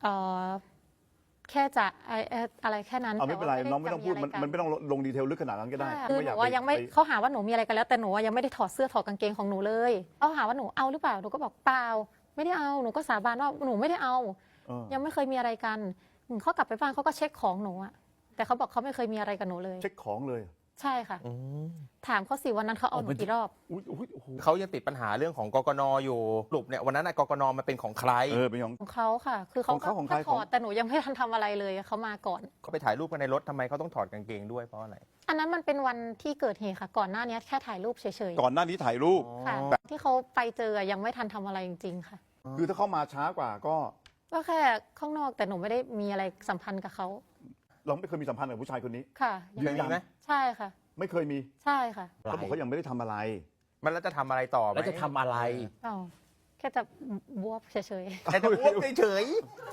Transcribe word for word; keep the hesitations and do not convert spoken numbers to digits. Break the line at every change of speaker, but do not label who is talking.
เอ่อแค่จะไอ้เอ่ออะไรแค่นั้น
เอาไม่เป็นไร
แต่ว่า
น้องไม่ต้องพูดมัน
จะ
มันไม่ต้องลงดีเทลลึกขนาดนั้นก็ได้
ใช่คือห
อ
นู
ยาก
ว่ายังไม่
ป
เขาหาว่าหนูมีอะไรกันแล้วแต่หนูว่ายังไม่ได้ถอดเสื้อถอดกางเกงของหนูเลยเขาหาว่าหนูเอาหรือเปล่าหนูก็บอกเปล่าไม่ได้เอาหนูก็สาบานว่าหนูไม่ได้เอา
เออ
ยังไม่เคยมีอะไรกันอืมเขากลับไปบ้านเขาก็เช็คของหนูอะแต่เขาบอกเขาไม่เคยมีอะไรกับหนูเลย
เช็คของเลย
ใช่ค่ะ
อืม
ถามเขาสิวันนั้นเขาเอาหนูกี่รอบ
อุ้ยอุ้ยโอ้โห
เขายังติดปัญหาเรื่องของกกนอยู่สรุปเนี่ยวันนั้นน่ะกกนมันเป็นของใคร
เออเป็นของ
ของเขาค่ะ คือเขา
ของเขาของใคร
แค่ถ
ของ
อดแต่หนูยังไม่ทันทำอะไรเลยเขามาก่อน
เขาไปถ่ายรูปกันในรถทำไมเขาต้องถอดกางเกงด้วยเพราะอะไร
อันนั้นมันเป็นวันที่เกิดเหตุค่ะ ก่อนหน้านี้แค่ถ่ายรูปเฉย
ก่อนหน้านี้ถ่ายรูป
ๆค่ะ ที่เขาไปเจอยังไม่ทันทำอะไรจริงๆค่ะ
คือถ้าเข้ามาช้ากว่าก็
ก็แค่ข้างนอกแต่หนูไม่ได้มีอะไรสัมพันธ์กับเขา
เราไม่เคยมีสัมพันธ์กับผู้ชายคนนี้
ค่ะ
เคยมีไหม
ใช่ค่ะ
ไม่เคยมี
ใช่ค่ะ
เขาบอกเขายังไม่ได้ทำอะไร
มันแล้วจะทำอะไรต่อไหม
แล้วจะทำอะไร
อ๋อแค่จะบวบเฉยๆ
แค่จะอ้วกเฉย